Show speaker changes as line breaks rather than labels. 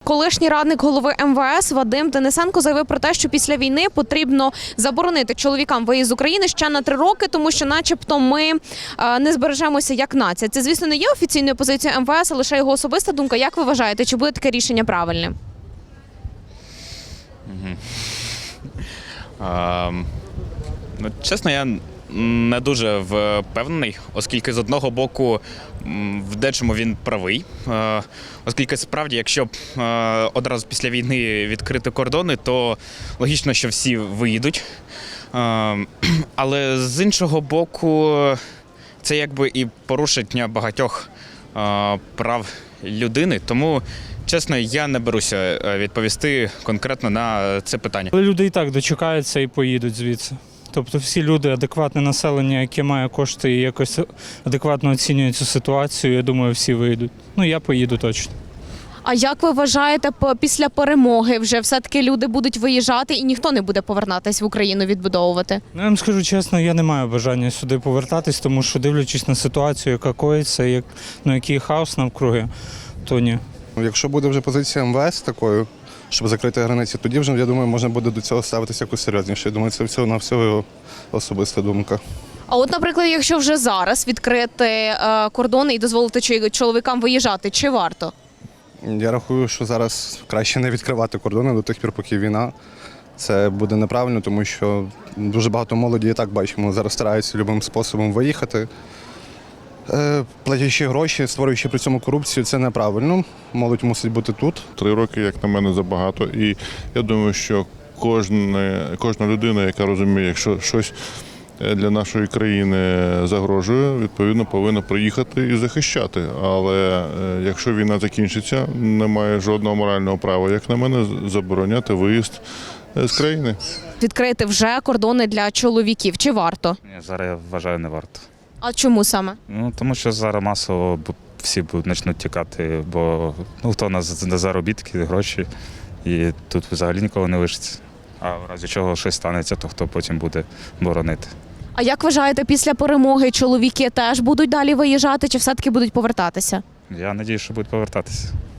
Колишній радник голови МВС Вадим Денисенко заявив про те, що після війни потрібно заборонити чоловікам виїзд з України ще на 3 роки, тому що начебто ми не збережемося як нація. Це, звісно, не є офіційною позицією МВС, а лише його особиста думка. Як ви вважаєте, чи буде таке рішення правильним?
Чесно, я не дуже впевнений, оскільки з одного боку в дечому він правий, оскільки справді, якщо одразу після війни відкрити кордони, то логічно, що всі виїдуть. Але з іншого боку, це якби і порушення багатьох прав людини, тому чесно, я не беруся відповісти конкретно на це питання.
Але люди і так дочекаються і поїдуть звідси. Тобто всі люди, адекватне населення, яке має кошти і якось адекватно оцінює цю ситуацію, я думаю, всі виїдуть. Ну, я поїду точно.
А як ви вважаєте, після перемоги вже все-таки люди будуть виїжджати і ніхто не буде повертатись в Україну відбудовувати?
Ну, я вам скажу чесно, я не маю бажання сюди повертатись, тому що дивлячись на ситуацію, яка коїться, який хаос навкруги, то ні.
Якщо буде вже позиція МВС такою, щоб закрити границі, тоді вже, я думаю, можна буде до цього ставитися якось серйозніше. Я думаю, це всього його особиста думка.
А от, наприклад, якщо вже зараз відкрити кордони і дозволити чоловікам виїжджати, чи варто?
Я рахую, що зараз краще не відкривати кордони до тих пір, поки війна. Це буде неправильно, тому що дуже багато молоді, і так бачимо, зараз стараються любим способом виїхати. Платячи гроші, створюючи при цьому корупцію, це неправильно. Молодь мусить бути тут.
3 роки, як на мене, забагато. І я думаю, що кожна людина, яка розуміє, якщо щось для нашої країни загрожує, відповідно, повинна приїхати і захищати. Але якщо війна закінчиться, немає жодного морального права, як на мене, забороняти виїзд з країни.
Відкрити вже кордони для чоловіків, чи варто?
Ні, зараз я вважаю, не варто.
А чому саме?
Тому що зараз масово всі почнуть тікати, бо хто на заробітки, гроші, і тут взагалі нікого не лишиться. А в разі чого щось станеться, то хто потім буде боронити.
А як вважаєте, після перемоги чоловіки теж будуть далі виїжджати, чи все-таки будуть повертатися?
Я сподіваюся, що будуть повертатися.